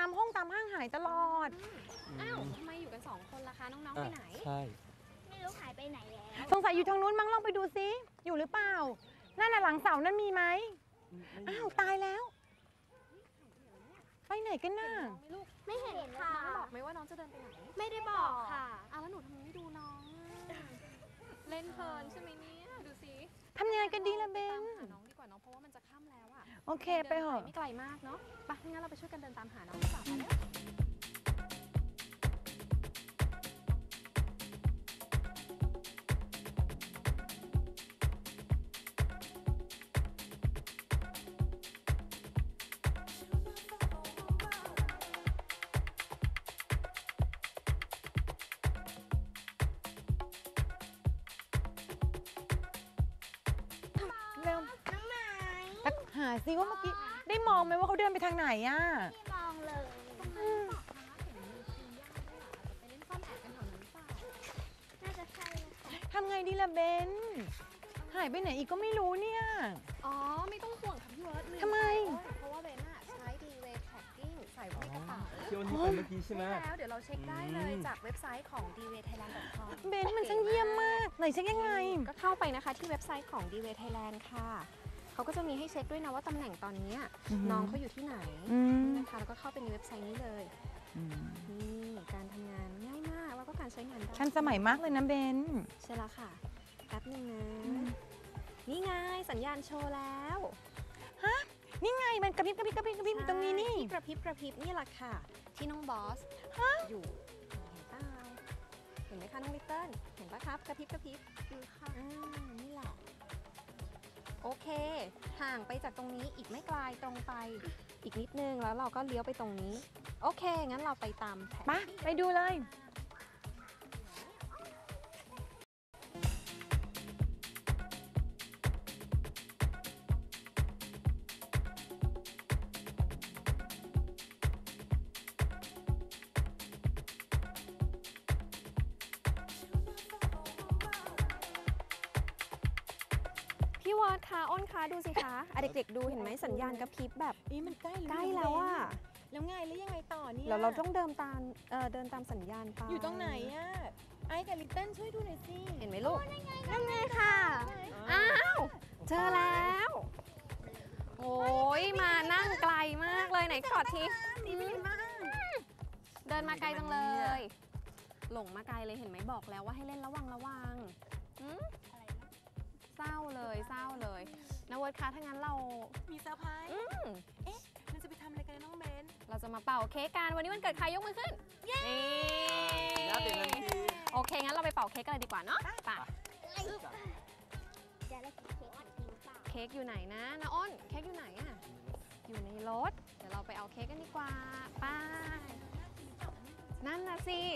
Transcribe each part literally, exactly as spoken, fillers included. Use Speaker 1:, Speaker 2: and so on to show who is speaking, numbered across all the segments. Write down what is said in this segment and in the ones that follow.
Speaker 1: ามห้องตามห้างหายตลอด
Speaker 2: อ้าวทำไมอยู่กันสองคนล่ะคะน้องๆไปไหน
Speaker 3: ใช่
Speaker 4: ไม่รู้หายไปไหนแล้ว
Speaker 1: สงสัยอยู่ทางนู้นมั้งลองไปดูซิอยู่หรือเปล่านั่นน่ะหลังเสานั่นมีไหมอ้าวตายแล้วไปไหนกันน่ะ
Speaker 4: ไม่เห็นค่ะ
Speaker 2: น้องบอกไหมว่าน้องจะเดินไปไหน
Speaker 4: ไม่ได้บอกค่ะ
Speaker 2: อ้าวแล้วหนูทำไมไม่ดูน้องเล่นเพลินใช่ไหมเนี่ยดูสิ
Speaker 1: ทำยังไงกันดีล่ะเบน
Speaker 2: หาน้องดีกว่าน้องเพราะว่ามันจะค่ำแล้วอะ
Speaker 1: โอเคไปเหอะ
Speaker 2: ไม่ไกลมากเนาะไปงั้นเราไปช่วยกันเดินตามหาน้องดีกว่าไปเลย
Speaker 1: เร็วหาซิว่าเมื่อกี้ได้มองไหมว่าเขาเดินไปทางไหนอ่ะ
Speaker 4: ไม่มองเลยน่าจะใช่
Speaker 1: ทำไงดีล่ะเบนหายไปไหนอีกก็ไม่รู้เนี่ย
Speaker 2: อ๋อไม่ต้องห่วงค่ะพี่เวิร์ด
Speaker 1: ทำไม
Speaker 2: เพราะว่าเบนอะใช้ D-Way Tracking ใส่ไว้ในกระเป๋า
Speaker 3: ที่วันนี้ไปเมื่อกี้ใช่ไหม
Speaker 2: แล้วเดี๋ยวเราเช็คได้เลยจากเว็บไซต์ของ ดี เวย์ ไทยแลนด์ ดอท คอม
Speaker 1: เบนมันช่างเยี่ยมมากไหนเช็คยังไง
Speaker 2: ก็เข้าไปนะคะที่เว็บไซต์ของ ดี เวย์ Thailand ค่ะเขาก็จะมีให้เช็คด้วยนะว่าตำแหน่งตอนนี้น้องเขาอยู่ที่ไหนนะคะแล้วก็เข้าไปในเว็บไซต์นี้เลยนี่การทำงานง่ายมากแล้วก็การใช้งานได้
Speaker 1: ทันสมัยมากเลยนะเบน
Speaker 2: ใช่แล้วค่ะแป๊บนึงนะนี่ไงสัญญาณโชว์แล้ว
Speaker 1: ฮะนี่ไงมันกระพริบกระพริบกระพริบกระพริบตรงนี้นี่
Speaker 2: กระพริบกระพริบนี่แหละค่ะที่น้องบอสอยู่เห็นเปล่าเห็นไหมคะน้องลิตเติ้ลเห็นปะครับกระพริบกระพริบดูค่ะอ่านี่แหละโอเคห่างไปจากตรงนี้อีกไม่ไกลตรงไปอีกนิดนึงแล้วเราก็เลี้ยวไปตรงนี้โอเคงั้นเราไปตามแผน
Speaker 1: ไปไปดูเลย
Speaker 2: พี่วอดคะอ้นคะดูสิคะอ่ะเด็กๆดูเห็นไหมสัญญาณกระพริบแบบ
Speaker 1: นี่มันใกล้
Speaker 2: ใกล้แล้วอะ
Speaker 1: แล้วไงแล้วยังไงต่อเนี่ย
Speaker 2: เราเราต้องเดินตามเอ่อเดินตามสัญญาณไป
Speaker 1: อยู่ตรงไหนอะไอ้กับลิตเติ้ลช่วยดูหน่อยสิ
Speaker 2: เห็นไหมลูก
Speaker 4: นั่นไงค่ะ
Speaker 2: อ้าวเจอแล้วโอ้ยมานั่งไกลมากเลยไหนกอดทีเดินมาไกลจังเลยหลงมาไกลเลยเห็นไหมบอกแล้วว่าให้เล่นระวังระวังเศร้าเลยเศร้าเลยนะเวิร์ดคะถ้างั้นเรา
Speaker 1: มีเซอร์ไพรส์เอ๊ะเราจะไปทำอะไรกันน้องเบน
Speaker 2: เราจะมาเป่าเค้กกันวันนี้วันเกิดใครยกมือขึ้น
Speaker 1: เย้
Speaker 3: น่าตื่นเต้นที
Speaker 2: โอเคงั้นเราไปเป่าเค้กกันเลยดีกว่าเนาะไปเค้กอยู่ไหนนะนะอ้นเค้กอยู่ไหนอะอยู่ในรถเดี๋ยวเราไปเอาเค้กกันดีกว่าไปนั่นนะสิ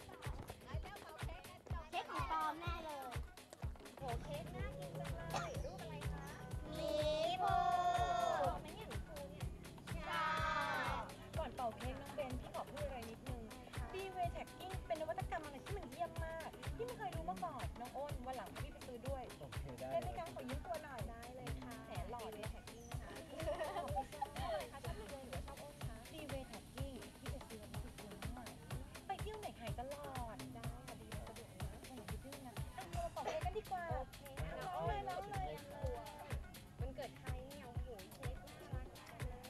Speaker 4: เค้กของปลอมแน่เลย
Speaker 2: โอ้เค้กน่ากินจังเลยรูปอะไรคะ
Speaker 4: หมีภู
Speaker 2: ไม่เห็นหมีภูเนี่ย
Speaker 4: ใช่
Speaker 1: ก่อนเป่าเค้กน้องเบนพี่ขอพูดอะไรนิดนึง D-Way Tracking เป็นนวัตกรรมอะไรที่มันเยี่ยมมากพี่ไม่เคยรู้มาก่อนน้องอ้นวันหลังพี่ไปซื้อด้วย
Speaker 3: โอเคได้
Speaker 1: ได้ไหมคะขอยืมตัวหน่อย
Speaker 2: ได้เลยค่ะ
Speaker 1: แหนหล่อเลย Tracking นะคะชอบอะไรคะชอบพี่เบนหรือชอบอ้นคะ D-Way Tracking ที่ไปซื้อมาที่ซื้อมาไปเที่ยวไหนหายตลอดได้ค่ะดีสะดวกนะคนไหนไปเที่ยวนะอ่ะเราเป่าเค้กกันดีกว่า
Speaker 2: โอเค
Speaker 1: น้องเลยน้องเลย
Speaker 2: มันเกิดใครเนี่ยโอ้โหเค้กน่ารักจังเลย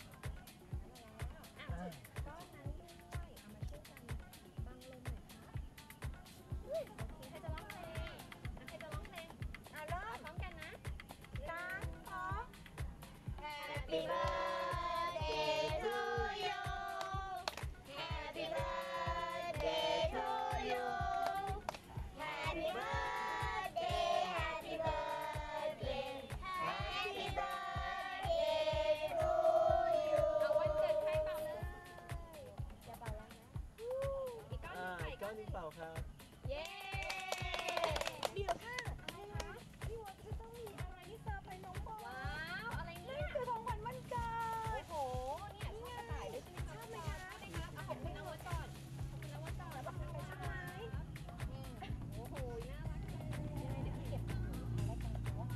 Speaker 2: อ่ะก้อนนั้นด้วยเอามาช่วยกันบังลมหน่อยครับโอเคใครจะร้องเพลงใครจะร้องเพลงเอาร้องพร้อมกันนะสามสอง
Speaker 4: Happy birthday to you Happy birthday to you Happy birthday Happy birthday Happy birthday to you
Speaker 2: เอาวันเกิดใครเป่าเลยจะเป่าแล้วนะอีกก้อน
Speaker 3: อ่า
Speaker 2: ใส่ก้
Speaker 3: ก้
Speaker 2: อ
Speaker 3: อน น
Speaker 2: หนึ่
Speaker 3: นี้
Speaker 2: ง
Speaker 3: เปล่าครับ
Speaker 2: เย้
Speaker 1: เดี๋ยวค่ะอะไรคะพี่วอนจะต้องมีอะไรที่เซอร์ไพรส์น้องบอล
Speaker 2: ว้าวอะไรเนี่ย
Speaker 1: คือของขวัญวันเกิด
Speaker 2: โอ้โหเนี่ยชอบกระต่ายด้วยใช่ไหมคะชอบไหมคะใช่ไหมคะเอาของคุณนวัดก่อนของคุณนวัดก่อนแล้วบอกคุณนวัดใช่ไหมโอ้โหน่ารักเลยยังไงเดี๋ยวพี่เก็บแล้วกันเนาะ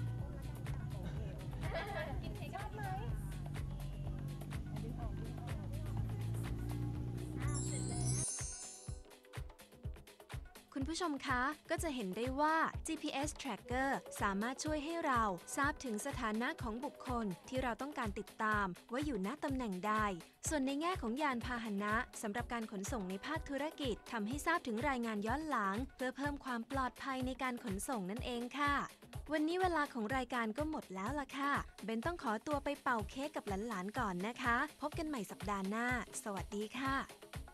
Speaker 2: กินเค้กชอบไหมคุณผู้ชมคะก็จะเห็นได้ว่า จี พี เอส Tracker สามารถช่วยให้เราทราบถึงสถานะของบุคคลที่เราต้องการติดตามว่าอยู่ณตำแหน่งใด ส่วนในแง่ของยานพาหนะสำหรับการขนส่งในภาคธุรกิจทำให้ทราบถึงรายงานย้อนหลังเพื่อเพิ่มความปลอดภัยในการขนส่งนั่นเองค่ะ วันนี้เวลาของรายการก็หมดแล้วล่ะค่ะเบนต้องขอตัวไปเป่าเค้กกับหลานๆก่อนนะคะพบกันใหม่สัปดาห์หน้าสวัสดีค่ะ